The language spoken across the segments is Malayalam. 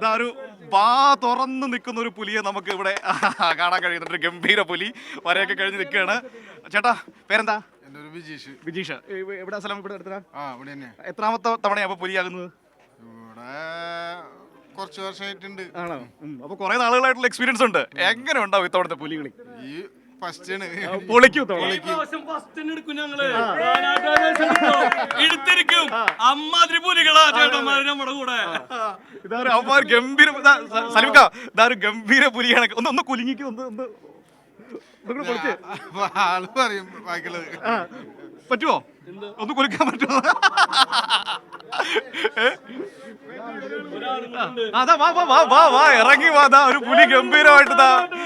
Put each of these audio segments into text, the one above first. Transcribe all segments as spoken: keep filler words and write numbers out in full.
ഇതാ ഒരു വാ തുറന്ന് നിൽക്കുന്ന ഒരു പുലിയെ നമുക്ക് ഇവിടെ കാണാൻ കഴിയുന്നുണ്ട്. ഒരു ഗംഭീര പുലി വരെയൊക്കെ കഴിഞ്ഞ് നിൽക്കുകയാണ്. ചേട്ടാ പേരെന്താ? വിജീഷ്. വിജീഷ് എവിടെ സ്ഥലം? ഇവിടെ അടുത്ത. എത്രാമത്തെ തവണയാ അപ്പൊ പുലിയാകുന്നത്? ഇവിടെ കുറച്ച് വർഷമായിട്ടുണ്ട്. ആണോ? അപ്പൊ കുറെ നാളുകളായിട്ടുള്ള എക്സ്പീരിയൻസ് ഉണ്ട്. എങ്ങനെ ഉണ്ടാവും ഇത്തവണത്തെ പുലികളി? ഈ ഫസ്റ്റ് പൊളിക്കും. അമ്മാതിരി പുലികളാ ചേട്ടന്മാര് നമ്മുടെ കൂടെ. ഇതൊരു അവന്മാർ ഗംഭീര സലിമിക്ക, ഇതൊരു ഗംഭീര പുലിയാണ്. ഒന്ന് ഒന്ന് കുലുങ്ങിക്ക് ഒന്ന് ഒന്ന് ആള് പറയും ബാക്കിയുള്ളത്. പറ്റുമോ? ഒന്ന് കുലുക്കാൻ പറ്റുമോ? അതാ വാ വാ വാ വാ ഇറങ്ങി വാ. ഒരു പുലി ഗംഭീരമായിട്ട്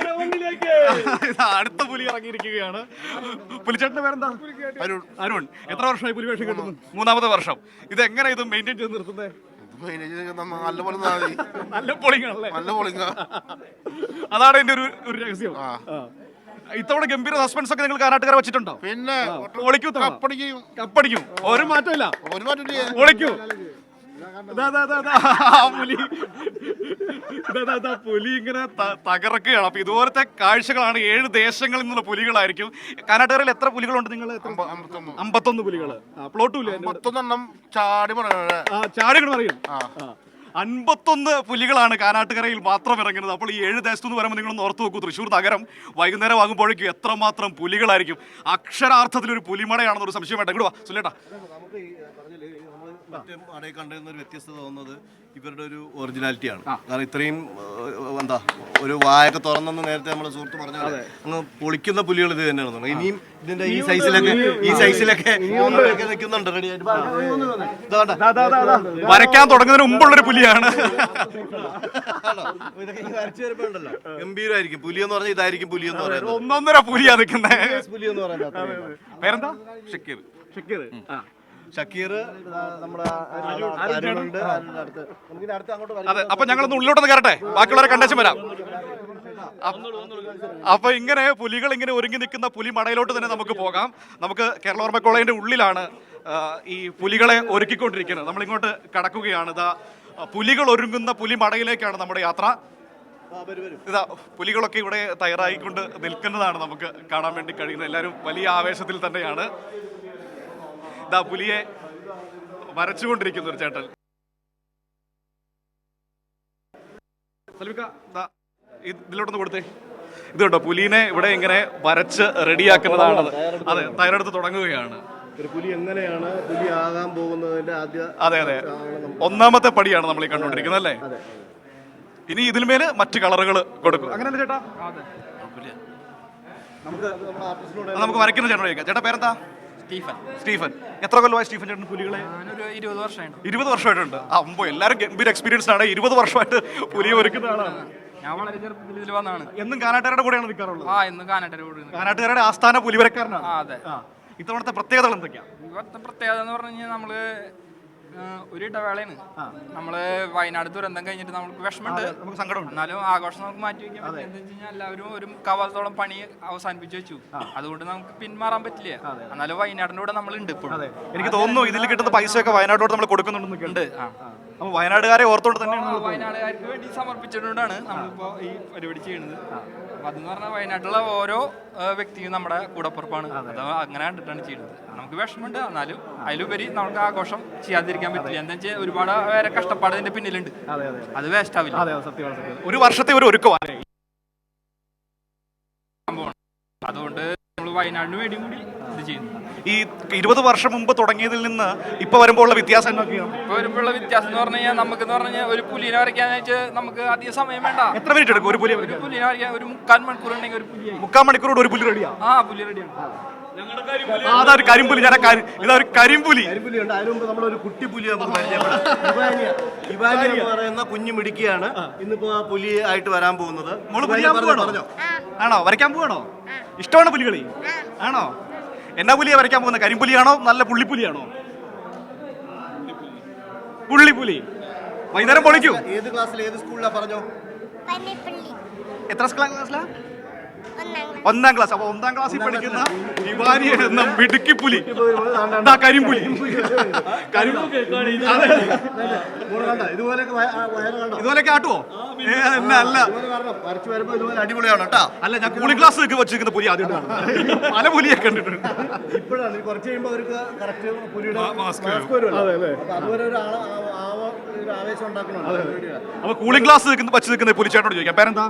അടുത്ത പുലി ഇറങ്ങിയിരിക്കുകയാണ്. പുലിച്ചേട്ടന്റെ പേരെന്താ? അരുൺ. അരുൺ എത്ര വർഷമായി പുലി വേഷം കിട്ടുന്നു? മൂന്നാമത്തെ വർഷം. ഇത് എങ്ങനെ ഇത് മെയിൻറ്റെയിൻ ചെയ്ത് നിർത്തുന്നത്? നല്ല പോലെ നല്ല പോളിംഗ് ആണല്ലേ? നല്ല പോളിംഗ്. അതാണ് എന്റെ ഒരു ഒരു രഹസ്യം. ഇത്തവണ ഗംഭീര സസ്പെൻസ് ഒക്കെ നിങ്ങൾ കാനാട്ടുകാരെ വെച്ചിട്ടുണ്ടോ? പിന്നെ കപ്പടിക്കും കപ്പടിക്കും. ഒരു മാറ്റമില്ല. ഒരു മാറ്റം പൊളിക്കും. പുലി ഇങ്ങനെ തകർക്കുകയാണ്. അപ്പൊ ഇതുപോലത്തെ കാഴ്ചകളാണ്. ഏഴ് ദേശങ്ങളിൽ നിന്നുള്ള പുലികളായിരിക്കും. കാനാട്ടുകാരിൽ എത്ര പുലികളുണ്ട് നിങ്ങൾ? അമ്പത്തൊന്ന് പുലികൾ. പ്ലോട്ടും ചാടി ചാടി പറയും. അൻപത്തൊന്ന് പുലികളാണ് കാനാട്ടുകരയിൽ മാത്രം ഇറങ്ങുന്നത്. അപ്പോൾ ഈ ഏഴ് ദേശത്തുനിന്ന് വരുമ്പോൾ നിങ്ങളൊന്ന് ഓർത്ത് നോക്കൂ, തൃശ്ശൂർ നഗരം വൈകുന്നേരം ആകുമ്പോഴേക്കും എത്രമാത്രം പുലികളായിരിക്കും. അക്ഷരാർത്ഥത്തിൽ ഒരു പുലിമടയാണെന്നൊരു സംശയം വേണ്ട. ഇങ്ങോട്ട് വാ സുല്ലേട്ടാ. മറ്റേ അടയിൽ കണ്ടിരുന്ന ഒരു വ്യത്യസ്തത തോന്നുന്നത് ഇവരുടെ ഒരു ഒറിജിനാലിറ്റിയാണ്. കാരണം ഇത്രയും എന്താ ഒരു വായൊക്കെ തുറന്നെന്ന് നേരത്തെ നമ്മുടെ സുഹൃത്ത് പറഞ്ഞ പോലെ അങ്ങ് പൊളിക്കുന്ന പുലികൾ ഇത് തന്നെയാണ്. ഇനിയും ഇതിന്റെ ഈ സൈസിലൊക്കെ ഈ സൈസിലൊക്കെ നിൽക്കുന്നുണ്ട് റെഡി ആയിട്ട്. വരയ്ക്കാൻ തുടങ്ങുന്നതിന് മുമ്പുള്ളൊരു പുലിയാണ്. ഇതൊക്കെ വരച്ചു വരുമ്പോണ്ടല്ലോ ഗംഭീരമായിരിക്കും. പുലി എന്ന് പറഞ്ഞാൽ ഇതായിരിക്കും പുലി എന്ന് പറയുന്നത്. ഒന്നൊന്നര പുലിയാ നിൽക്കുന്നത്. പുലി എന്ന് പറയുന്നത് പേരെന്താ? ഷക്കീർ. ഷക്കീർ ഷക്കീർ നമ്മുടെ. അതെ. അപ്പൊ ഞങ്ങളൊന്ന് ഉള്ളിലോട്ടൊന്ന് കയറട്ടെ, ബാക്കിയുള്ളവരെ കണ്ടേച്ചും വരാം. അപ്പൊ ഇങ്ങനെ പുലികൾ ഇങ്ങനെ ഒരുങ്ങി നിൽക്കുന്ന പുലി മടയിലോട്ട് തന്നെ നമുക്ക് പോകാം. നമുക്ക് കേരള ഓർമ്മ കോളേജിന്റെ ഉള്ളിലാണ് ഈ പുലികളെ ഒരുക്കിക്കൊണ്ടിരിക്കുന്നത്. നമ്മളിങ്ങോട്ട് കടക്കുകയാണ്. ഇതാ പുലികൾ ഒരുങ്ങുന്ന പുലി മടയിലേക്കാണ് നമ്മുടെ യാത്ര. ഇതാ പുലികളൊക്കെ ഇവിടെ തയ്യാറായിക്കൊണ്ട് നിൽക്കുന്നതാണ് നമുക്ക് കാണാൻ വേണ്ടി കഴിയുന്നത്. എല്ലാവരും വലിയ ആവേശത്തിൽ തന്നെയാണ്. ഇതാ പുലിയെ വരച്ചുകൊണ്ടിരിക്കുന്ന ഒരു ചേട്ടൻ. ഇതിലോട്ടൊന്ന് കൊടുത്തേ. ഇത് കേട്ടോ പുലിനെ ഇവിടെ ഇങ്ങനെ വരച്ച് റെഡിയാക്കുന്നതാണ്. അതെ, തയ്യാറെടുത്ത് തുടങ്ങുകയാണ്. ഒരു പുലി എങ്ങനെയാണ് പുലി ആകാൻ പോകുന്നതിന്റെ ആദ്യ. അതെ അതെ, ഒന്നാമത്തെ പടിയാണ് നമ്മൾ ഈ കണ്ടുകൊണ്ടിരിക്കുന്നത് അല്ലേ? ഇനി ഇതിന്മേല് മറ്റു കളറുകൾ കൊടുക്കും. അങ്ങനെയല്ലേ ചേട്ടാ? നമുക്ക് വരയ്ക്കുന്ന ചേട്ടൻ ചോദിക്കാം. ചേട്ടാ പേരെന്താ? സ്റ്റീഫൻ. സ്റ്റീഫൻ. എത്ര കൊല്ലമായി സ്റ്റീഫൻ ചേട്ടൻ പുലികളെ? ഇരുപത് വർഷമായിട്ട്. ഇരുപത് വർഷമായിട്ടുണ്ട്. അമ്പോ എല്ലാവരും ഗംഭീര എക്സ്പീരിയൻസ് ആണ്. ഇരുപത് വർഷമായിട്ട് പുലിയെ ഒരുക്കുന്ന ആളാണ്. ഞാൻ വളരെ ചെറുപ്പത്തിൽ ഇതിൽ വന്നാണ്. എന്നും കാനാട്ടുകാരുടെ കൂടെയാണ് നിൽക്കാറുള്ളത്? ആ, എന്നും കാനാട്ടുകാരുടെ കൂടെ. കാനാട്ടുകാരുടെ ആസ്ഥാന പുലിവരക്കാരനാണ്. അതെ. ഇത്തവണത്തെ പ്രത്യേകതകൾ എന്തൊക്കെയാണ്? ഇവിടുത്തെ പ്രത്യേകത എന്ന് പറഞ്ഞു കഴിഞ്ഞാൽ നമ്മള് ഒരു ഇടവേളയാണ്. നമ്മള് വയനാട് ദുരന്തം കഴിഞ്ഞിട്ട് നമുക്ക് വിഷമമുണ്ട്, നമുക്ക് സങ്കടമുണ്ട്. എന്നാലും ആഘോഷം നമുക്ക് മാറ്റി വെക്കാൻ പറ്റില്ല. എന്താ വെച്ച് കഴിഞ്ഞാൽ എല്ലാവരും ഒരു മുക്കാവാസത്തോളം പണി അവസാനിപ്പിച്ചു വെച്ചു. അതുകൊണ്ട് നമുക്ക് പിന്മാറാൻ പറ്റില്ല. എന്നാലും വയനാടിന്റെ കൂടെ നമ്മൾ ഉണ്ട് ഇപ്പോഴും. എനിക്ക് തോന്നുന്നു ഇതിൽ കിട്ടുന്ന പൈസയൊക്കെ വയനാട്ടോട് നമ്മൾ കൊടുക്കുന്നുണ്ട്. അപ്പൊ വയനാടുകാരെ ഓർത്തോണ്ട് തന്നെയാണ് വയനാടുകാർക്ക് വേണ്ടി സമർപ്പിച്ചിട്ടുകൊണ്ടാണ് നമ്മളിപ്പോ ഈ പരിപാടി ചെയ്യുന്നത്. അപ്പൊ അതെന്ന് പറഞ്ഞാൽ വയനാട്ടിലുള്ള ഓരോ വ്യക്തിയും നമ്മുടെ കൂടപ്പുറപ്പാണ്. അത് അങ്ങനെ കണ്ടിട്ടാണ് ചെയ്യുന്നത്. നമുക്ക് വിഷമമുണ്ട്, എന്നാലും അതിലുപരി നമുക്ക് ആഘോഷം ചെയ്യാതിരിക്കാൻ പറ്റില്ല. എന്താ വെച്ചാൽ ഒരുപാട് പേരെ കഷ്ടപ്പാട് ഇതിന്റെ പിന്നിലുണ്ട്. അത് വേസ്റ്റ് ആവില്ല. ഒരു വർഷത്തെ ഒരു ഒരുക്കമാണ്. അതുകൊണ്ട് നമ്മൾ വയനാടിന് വേണ്ടി കൂടി ഇത് ചെയ്യുന്നു. ഈ ഇരുപത് വർഷം മുമ്പ് തുടങ്ങിയതിൽ നിന്ന് ഇപ്പൊ വരുമ്പോഴുള്ള വ്യത്യാസം എന്തൊക്കെയാണ്? ഇപ്പൊ വരുമ്പോഴുള്ള വ്യത്യാസം എന്ന് പറഞ്ഞു കഴിഞ്ഞാൽ നമുക്ക് എന്ന് പറഞ്ഞാൽ ഒരു പുലിനെ വരയ്ക്കാൻ വെച്ചാൽ നമുക്ക് അധികം സമയം വേണ്ട. എത്ര മിനിറ്റ് എടുക്കും ഒരു പുലി? ഒരു പുലിനെ വരയ്ക്കാൻ ഒരു മുക്കാൽ മണിക്കൂർ ഉണ്ടെങ്കിൽ ഒരു പുലി മുക്കാൽ മണിക്കൂറോട് ഒരു പുലി റെഡിയാ? ആ, പുലി റെഡിയാണ്. അതൊരു കരിമ്പുലി. ഞാൻ ഇതൊരു കരിമ്പുലി. കരിമ്പുലിയുണ്ട്. അതിന് മുമ്പ് നമ്മളൊരു കുട്ടി പുലിയെ പറയുന്ന കുഞ്ഞു മിടുക്കിയാണ് ഇന്നിപ്പോ ആ പുലി ആയിട്ട് വരാൻ പോകുന്നത്. പറഞ്ഞോ? ആണോ? വരയ്ക്കാൻ പോവാണോ? ഇഷ്ടമാണ് പുലികളി? ആണോ? എന്നാ പുലിയെ വരയ്ക്കാൻ പോകുന്നത്? കരിമ്പുലിയാണോ നല്ല പുള്ളിപ്പുലിയാണോ? പുള്ളിപ്പുലി. വൈകുന്നേരം പൊളിക്കൂ. ഏത് ക്ലാസ്സിൽ ഏത് സ്കൂളിലാ പറഞ്ഞോ? എത്ര ക്ലാസ്സിലാ? ഒന്നാം ക്ലാസ്. അപ്പൊ ഒന്നാം ക്ലാസ്സിൽ പഠിക്കുന്ന ഇവാനി എന്ന മിടുക്കി പുലി, ദാ കരിമ്പുലി. ഇതുപോലെയൊക്കെ ആട്ടുവോ? ഏ, എന്നെ അല്ല അടിപൊളിയാണ് കേട്ടോ. അല്ല, ഞാൻ കൂളിംഗ് ക്ലാസ് വെച്ചിരിക്കുന്ന പുലി ആദ്യം പല പുലിയൊക്കെ കണ്ടിട്ടുണ്ട്. ഇപ്പോഴാണ് കുറച്ച് കഴിയുമ്പോൾ അവർക്ക് കറക്റ്റ് പുലിയുടെ മാസ്ക് വരുമല്ലോ. അപ്പൊ അതുവരെ ഒരു ആളെ ആ ഒരു ആവേശം ഉണ്ടാക്കണുണ്ട്. അപ്പൊ കൂളിംഗ് ക്ലാസ് വെച്ച് നിൽക്കുന്ന പുലിച്ചേട്ടനോട് ചോദിക്കാം, പേരെന്താ?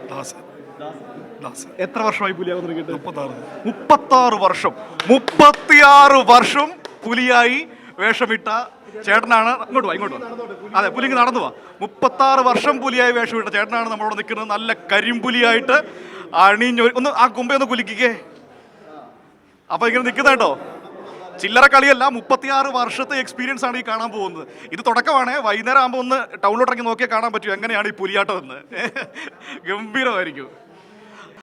എത്ര വർഷമായി പുലിയാവാൻ തുടങ്ങിയിട്ട്? മുപ്പത്താറ് വർഷം. മുപ്പത്തിയാറ് വർഷം പുലിയായി വേഷമിട്ട ചേട്ടനാണ്. ഇങ്ങോട്ട് വാ, ഇങ്ങോട്ട് വാ. അതെ, പുലി ഇങ്ങ് നടന്നു വാ. മുപ്പത്താറ് വർഷം പുലിയായി വേഷമിട്ട ചേട്ടനാണ് നമ്മളോട് നിൽക്കുന്നത്. നല്ല കരിമ്പുലിയായിട്ട് അണിഞ്ഞൊരു ഒന്ന് ആ കുമ്പയൊന്ന് കുലുക്കിക്കേ. അപ്പൊ ഇങ്ങനെ നിൽക്കുന്ന കേട്ടോ, ചില്ലറ കളിയല്ല. മുപ്പത്തിയാറ് വർഷത്തെ എക്സ്പീരിയൻസ് ആണ് ഈ കാണാൻ പോകുന്നത്. ഇത് തുടക്കമാണ്. വൈകുന്നേരം ആകുമ്പോൾ ഒന്ന് ടൗണിലോട്ടിറങ്ങി നോക്കിയാൽ കാണാൻ പറ്റും എങ്ങനെയാണ് ഈ പുലിയാട്ടം എന്ന്. ഗംഭീരമായിരിക്കും.